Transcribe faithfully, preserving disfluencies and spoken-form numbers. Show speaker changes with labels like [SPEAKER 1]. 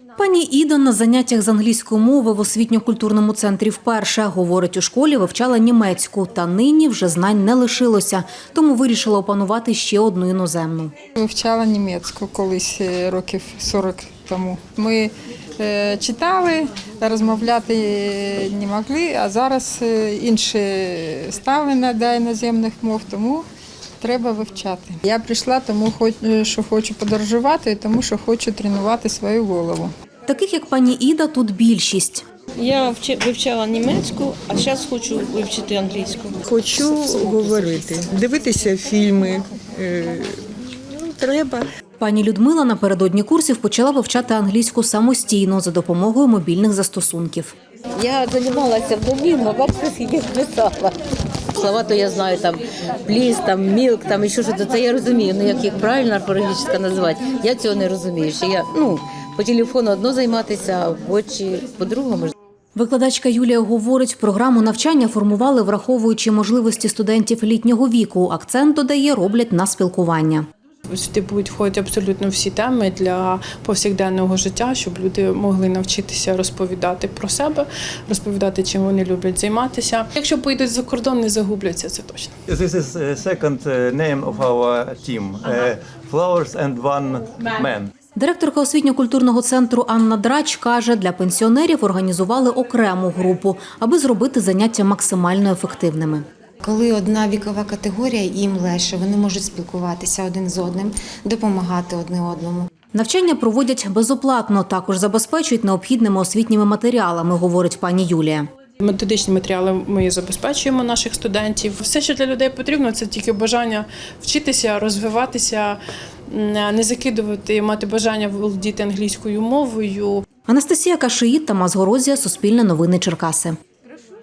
[SPEAKER 1] Пані Іда на заняттях з англійської мови в освітньо-культурному центрі вперше. Говорить, у школі вивчала німецьку, та нині вже знань не лишилося, тому вирішила опанувати ще одну іноземну.
[SPEAKER 2] Вивчала німецьку колись років сорок тому. Ми е, читали, розмовляти не могли, а зараз інше ставлення до іноземних мов, тому треба вивчати. Я прийшла, тому що хочу подорожувати, тому що хочу тренувати свою голову.
[SPEAKER 1] Таких, як пані Іда, тут більшість.
[SPEAKER 3] Я вивчала німецьку, а зараз хочу вивчити англійську.
[SPEAKER 4] Хочу говорити, дивитися фільми. Треба.
[SPEAKER 1] Пані Людмила напередодні курсів почала вивчати англійську самостійно за допомогою мобільних застосунків.
[SPEAKER 5] Я займалася в Домінго, бачите, скільки писала. Слова то я знаю, там пліс, там мілк, там і що ж це я розумію. Ну як їх правильно орфографічно назвати, я цього не розумію. Що я ну по телефону одно займатися, а в очі по-другому.
[SPEAKER 1] Викладачка Юлія говорить, програму навчання формували, враховуючи можливості студентів літнього віку. Акцент, додає, роблять на спілкування.
[SPEAKER 6] Сюди будуть входити абсолютно всі теми для повсякденного життя, щоб люди могли навчитися розповідати про себе, розповідати, чим вони люблять займатися. Якщо поїдуть за кордон, не загубляться, це точно.
[SPEAKER 7] This is second name of our team. Flowers and one man.
[SPEAKER 1] Директорка освітньо-культурного центру Анна Драч каже, для пенсіонерів організували окрему групу, аби зробити заняття максимально ефективними.
[SPEAKER 8] Коли одна вікова категорія, їм легше, вони можуть спілкуватися один з одним, допомагати одне одному.
[SPEAKER 1] Навчання проводять безоплатно, також забезпечують необхідними освітніми матеріалами, говорить пані Юлія.
[SPEAKER 6] Методичні матеріали ми забезпечуємо наших студентів. Все, що для людей потрібно, це тільки бажання вчитися, розвиватися, не закидувати, мати бажання володіти англійською мовою.
[SPEAKER 1] Анастасія Кашиїд, Тамас Горозія, Суспільне новини Черкаси.